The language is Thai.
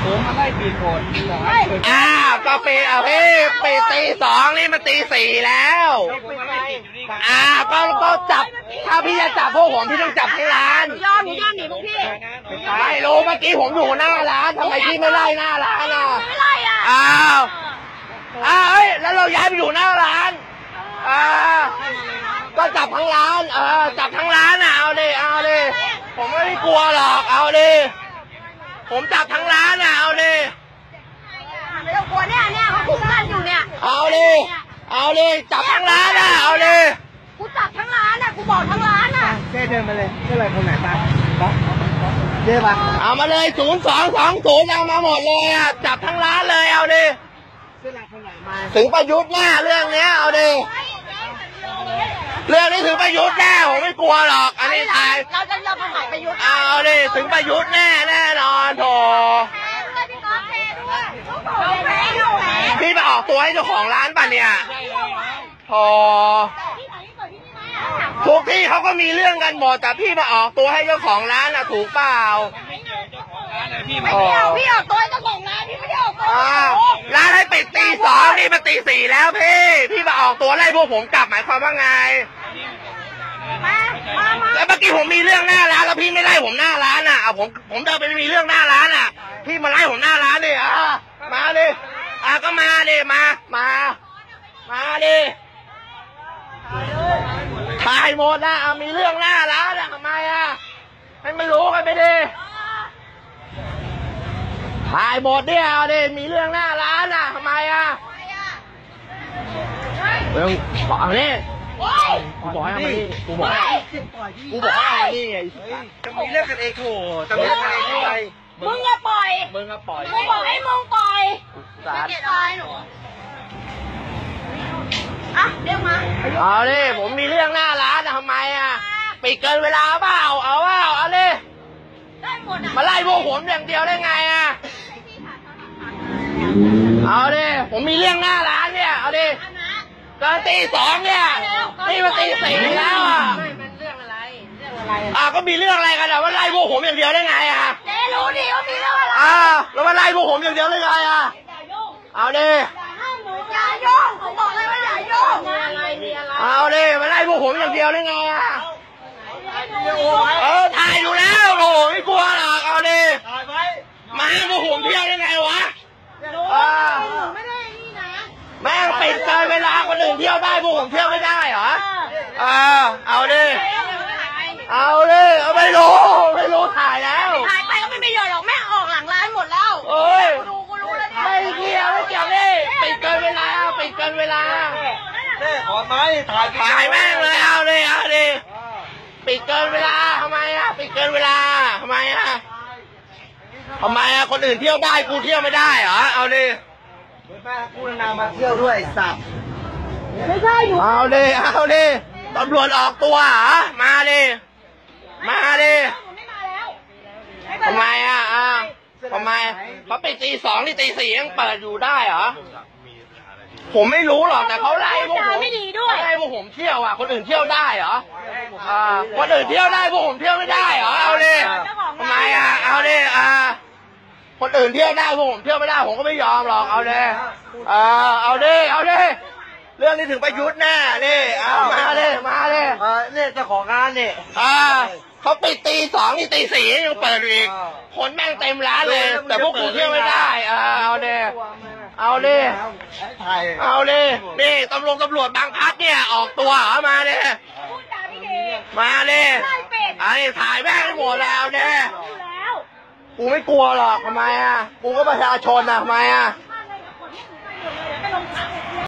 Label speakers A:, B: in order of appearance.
A: ผมมาไล่ปิดหมด
B: ก็ปิดพี่ปิดตี 2นี่มันตี 4แล้วก็จับถ้าพี่จะจับพวกผมพี่ต้องจับที่ร้าน
C: ยอมหนีพวกพี่
B: ไม่รู้เมื่อกี้ผมอยู่หน้าร้านทำไมพี่ไม่ไล่หน้าร้าน
C: ไม่ไล่
B: แล้วเราย้ายไปอยู่หน้าร้านก็จับทั้งร้านจับทั้งร้านเอาดิผมไม่ได้กลัวหรอกเอาดิผมจับทั้งร้านเอาดิ
C: ไม่ต้องกลัวเนี่ยเขาคุมกันอยู่เนี่ย
B: เอาดิจับทั้งร้านเอาดิ
C: กูจับทั้งร้านกูบอกทั้งร้าน
A: เจ๊เดินมาเลยเจ๊อะไรคนไหนตาเจ๊ปะ
B: เอามาเลย0220เอามาหมดเลยจับทั้งร้านเลยเอาดิถึงประยุทธ์แน่เรื่องนี้เอาดิเรื่องนี้ถึงประยุทธ์แน่ผมไม่กลัวหรอกอันนี้ถ่าย
C: เราไปถ่ายประยุทธ์
B: เอาดิถึงประยุทธ์แน่นอนโถพี่ไปออกตัวให้เจ้าของร้านป่ะเนี่ยโถทุกที่เขาก็มีเรื่องกันหมดแต่พี่มาออกตัวให้เจ้าของร้านถูกเปล่า
C: ไม่เกี่ยวพี่ออกตัวให้เจ้าของร้านพี่ไม่ได้ออกตัว
B: ร้านให้ปิดตี 2นี่มาตี 4แล้วพี่มาออกตัวไล่พวกผมกลับหมายความว่าไงแล้วเมื่อกี้ผมมีเรื่องหน้าร้านแล้วพี่ไม่ไล่ผมหน้าร้านผมเดินไปมีเรื่องหน้าร้านพี่มาไล่ผมหน้าร้านดิมาดิก็มาดิมาดิถ่ายหมดมีเรื่องหน้าร้านทำไมให้มันรู้กันไปดิถ่ายหมดเนี่ยเอาดิมีเรื่องหน้าร้านทำไมเรื่องบอกนี่กูบอกให้มานี่กูบอกให้มานี่ไง
A: จะมีเรื่องกันเองโถจะมีเรื่องกันเองอะไร
C: มึงอย่าปล่อย
B: กู
C: บอกให้มึงปล่อยไม่เกลียดอะไรหนูเรียกมา
B: เอาดิผมมีเรื่องหน้าร้านทำไมปิดเกินเวลาเปล่าเอาดิ
C: ได้หมด
B: มาไล่พวกผมอย่างเดียวได้ไงเอาดิผมมีเรื่องหน้าร้านเนี่ยเอาดิตอนตี 2เนี่ยนี่มาตี 4แล้ว
C: มันเรื่องอะไร
B: ก็มีเรื่องอะไรกันว่าไล่พวกผมอย่างเดียวได้ไง
C: เจ๊รู้ดิว่ามีเรื่องอะไร
B: แล้วมาไล่พวกผมอย่างเดียวได้ไงเอาดิ
C: อย่ายุ่งผมบอกเลยว่าอย่ายุ่ง
B: เอาดิมาไล่พวกผมอย่างเดียวได้ไงถ่ายอยู่แล้วโอ้ไม่กลัวหรอกเอาดิมาให้พวกผมเที่ยวได้ไงวะ
C: ไม่ได้นี่นะ
B: แม่งปิดเกินเวลาคนอื่นเที่ยวได้พวกผมเที่ยวไม่ได้เหรอเอาดิไม่รู้ถ่ายแล้ว
C: ถ่ายไปก็ไม่มีประโยชน์หรอกแม่ออกหลังร้านหมดแล้วกูรู้แล้ว
B: ไม่เกี่ยวนี่ปิดเกินเวลา
A: ขอไม้
B: ถ่ายแม่งเลยเอาดิปิดเกินเวลาทำไมปิดเกินเวลาทำไมคนอื่นเที่ยวได้กูเที่ยวไม่ได้เหรอเอาดิ
A: แม่กูนามาเที่ยวด้วยสัตว์
C: ไม่ใช่หนู
B: เอาดิตำรวจออกตัวเหรอมาดิทำไมเขาปิดตี 2นี่ตี 4ยังเปิดอยู่ได้เหรอผมไม่รู้หรอกแต่เขาไล่พวกผม
C: ไม่ดีด้วย
B: ไล่พวกผมเที่ยวคนอื่นเที่ยวได้เหรอคนอื่นเที่ยวได้พวกผมเที่ยวไม่ได้เหรอเอาดิทำไมเอาดิคนอื่นเที่ยวได้พวกผมเที่ยวไม่ได้ผมก็ไม่ยอมหรอกเอาดิเอาดิเรื่องนี้ถึงประยุทธ์แน่นี่มาเลย
A: เนี่ยเจ้าของงานเนี่ย
B: เขาปิดตี 2นี่ตี 4ยังเปิดอีกคนแม่งเต็มร้านเลยแต่พวกกูเที่ยวไม่ได้เอาดินี่ตำรวจบางพัดเนี่ยออกตัวมาดิไอ้ถ่ายแม่งให้หมดแล้วเนี่ยกูไม่กลัวหรอกทำไมกูก็ประชาชนทำไม